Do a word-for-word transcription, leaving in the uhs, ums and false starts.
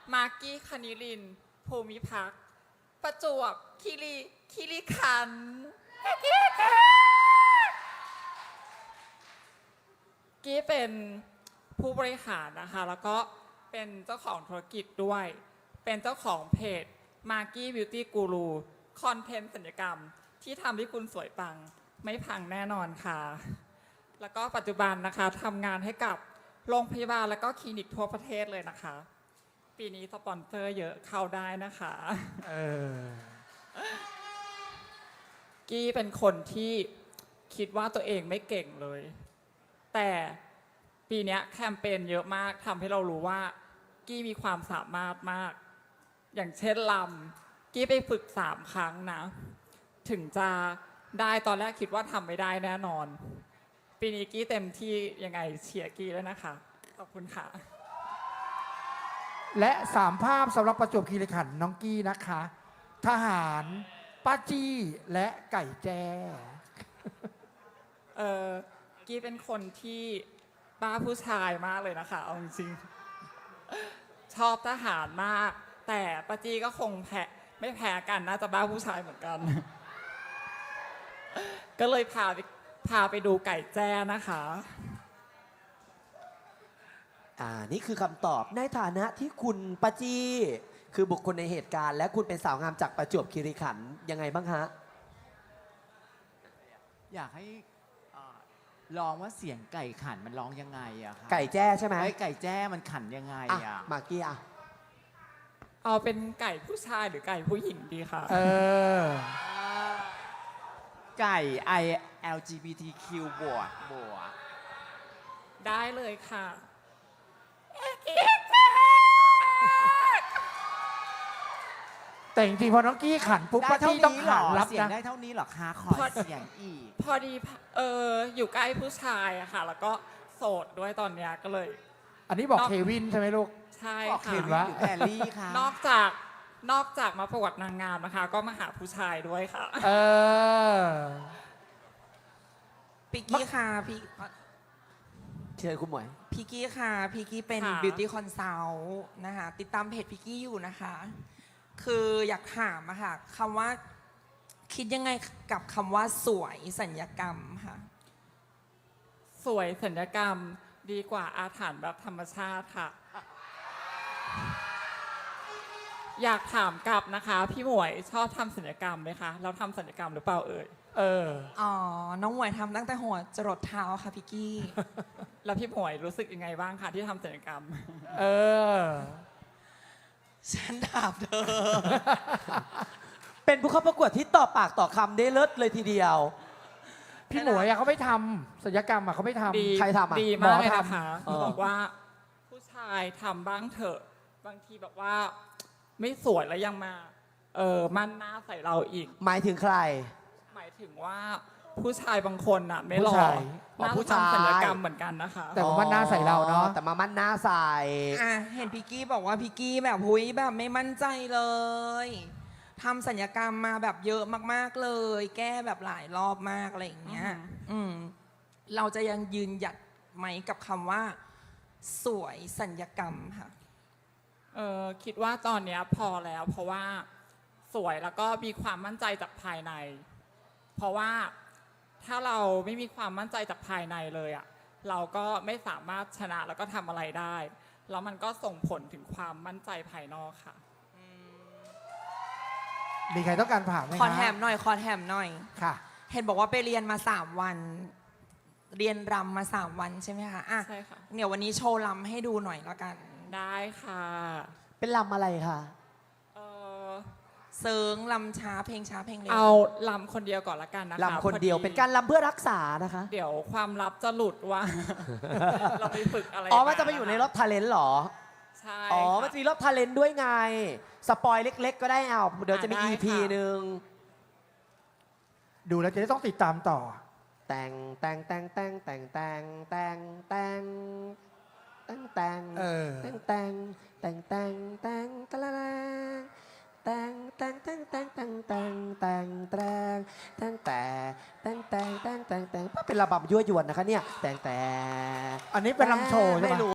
มากกี้คณิรินทร์ภูมิพักษ์ประจวบคีรีคีรีขันธ์กี้เป็นผู้บริหารนะคะแล้วก็เป็นเจ้าของธุรกิจด้วย เป็นเจ้าของเพจ Maki Beauty Guru คอนเทนต์ศัลยกรรมที่ทำให้คุณสวยปังไม่พังแน่นอนค่ะ แล้วก็ปัจจุบันนะคะทำงานให้กับโรงพยาบาลและก็คลินิกทั่วประเทศเลยนะคะ ปีนี้สปอนเซอร์เยอะเข้าได้นะคะเออกี้เป็นคนที่คิดว่าตัวเองไม่เก่งเลย แต่ปีนี้แคมเปญเยอะมากทำให้เรารู้ว่ากี้มีความสามารถมาก อย่างเช่นลำกี้ไปฝึกสามครั้งนะ ถึงจะได้ตอนแรกคิดว่าทำไม่ได้แน่นอน ปีนี้กี้เต็มที่ยังไงเชียร์กี้แล้วนะคะ ขอบคุณค่ะและสามภาพสำหรับประจวบคีรีขันธ์น้องกี้นะคะ ทหารป้าจี้และไก่แจ้เออกี้เป็นคนที่บ้าผู้ชายมากเลยนะคะเอาจริงๆชอบทหารมาก แต่ป้าจี้ก็คงแพ้ไม่แพ้กันน่าจะบ้าผู้ชายเหมือนกัน ก็เลยพาไปพาไปดูไก่แจ้นะคะอ่านี่คือคำตอบในฐานะที่คุณปาจีคือบุคคลในเหตุการณ์และคุณเป็นสาวงามจากประจวบคีรีขันธ์ยังไงบ้างฮะอยากให้เอ่อลองว่าเสียงไก่ขันมันร้องยังไงอะครับไก่แจ้ใช่ไหมไอ้ไก่แจ้มันขันยังไงอ่ะอะมากกี้อ่ะเอาเป็นไก่ผู้ชายหรือไก่ผู้หญิงดีคะเออไก่ I แอล จี บี ที คิว บวกบวกได้เลยค่ะแต่จริงๆพอน้องกี้ขันปุ๊บได้ป้าเท่าจี้ต้องนี้เหรขัอนรับเสียงนะได้เท่านี้เหรอคะขอเสียงอีกพอดีเอออยู่ใกล้ผู้ชายอะค่ะ แล้วก็โสดด้วยตอนเนี้ยก็เลยอันนี้บอกนอกเควินใช่ไหมลูกใช่บอกเคค่ะวินหรือแพรลี่คะนอกจากนอกจากมาประกวดนางงามนะคะ ก็มาหาผู้ชายด้วยค่ะเออพิกกี้ค่ะพี่เชิญคุณหมวยพิกกี้ค่ะพิกกี้เป็นค่ะ beauty consult นะคะติดตามเพจพิกกี้อยู่นะคะ คืออยากถามอะค่ะคำว่าคิดยังไงกับคำว่าสวยสัญญกรรมค่ะสวยสัญญกรรมดีกว่าอาถรรพ์แบบธรรมชาติค่ะ อยากถามกลับนะคะ พี่หมวยชอบทำสัญญกรรมไหมคะเราทำสัญญกรรมหรือเปล่าเอ่ยเอออ๋อ น้องหมวยทำตั้งแต่หัวจรดเท้าค่ะพิกกี้แล้วพี่หมวยรู้สึกยังไงบ้างคะที่ทำสัญญกรรมเออฉันถามเธอเป็นผู้เข้าประกวดที่ต่อปากต่อคำได้เลิศเลยทีเดียวพี่หมวยอะเขาไม่ทำศัลยกรรมอะเขาไม่ทำดีใครทำอะดีมากเลยหมอนะทำคะเออบอกว่าผู้ชายทำบ้างเถอะ บางทีแบบว่า ไม่สวยแล้วยังมา เออมั่นหน้าใส่เราอีกหมายถึงใครหมายถึงว่าผู้ชายบางคนน่ะ ไม่หล่อผู้ชายน่าผู้จะชายทำศัลยกรรมเหมือนกันนะคะแต่ว่ามันหน้าใส่เราเนาะแต่มามั่นหน้าใส่อ่ะ เห็นพิกกี้บอกว่าพิกกี้แบบหุยแบบไม่มั่นใจเลยทำสัญญกรรมมาแบบเยอะมากๆเลย แก้แบบหลายรอบมากอะไรอย่างเงี้ยอือหืออืมเราจะยังยืนหยัดไหมกับคำว่า สวยสัญญกรรมค่ะเออคิดว่าตอนเนี้ยพอแล้ว เพราะว่าสวยแล้วก็มีความมั่นใจจากภายใน เพราะว่าถ้าเราไม่มีความมั่นใจจากภายในเลยอะเราก็ไม่สามารถชนะแล้วก็ทำอะไรได้ แล้วมันก็ส่งผลถึงความมั่นใจภายนอกค่ะมีใครต้องการถามไหมขอฮะแถมหน่อย ขอแถมหน่อยค่ะเห็นบอกว่าไปเรียนมาสามวัน เรียนรำมาสามวันใช่ไหมคะอ่ะใช่ค่ะเดี๋ยววันนี้โชว์รำให้ดูหน่อยแล้วกันได้ค่ะเป็นลำอะไรคะเออเซิงลำช้าเพลงช้าเพลงเร็วเอาลำคนเดียวก่อนละกันนะคะลำคนเดียวพอเป็นการลำเพื่อรักษานะคะเดี๋ยวความลับจะหลุดว่า เราไปฝึกอะไรอ๋อ มันจะไปอยู่ในรอบทาเลนต์เหรอใช่อ๋อค่ะมันจะมีรอบทาเลนต์ด้วยไง สปอยเล็ก ๆ ก็ได้เอาเดี๋ยวจะมีอ่ะได้อี พีค่ะหนึ่งดูแล้วจะได้ต้องติดตามต่อแต่งแต่งแต่งแต่งแต่งแต่งแต่งแต่งแต่งแต่งเออแต่งแต่งแต่งแต่งแต่งตะละละแต่งแต่งแต่งแต่งแต่งแต่งแต่งแต่งแต่งแต่งแต่งแต่งแต่งแต่งแต่งแต่งเป็นระบำยั่วยวนนะคะเนี่ยแต่งแต่งอันนี้เป็นลำโชว์ใช่ไหมไม่รู้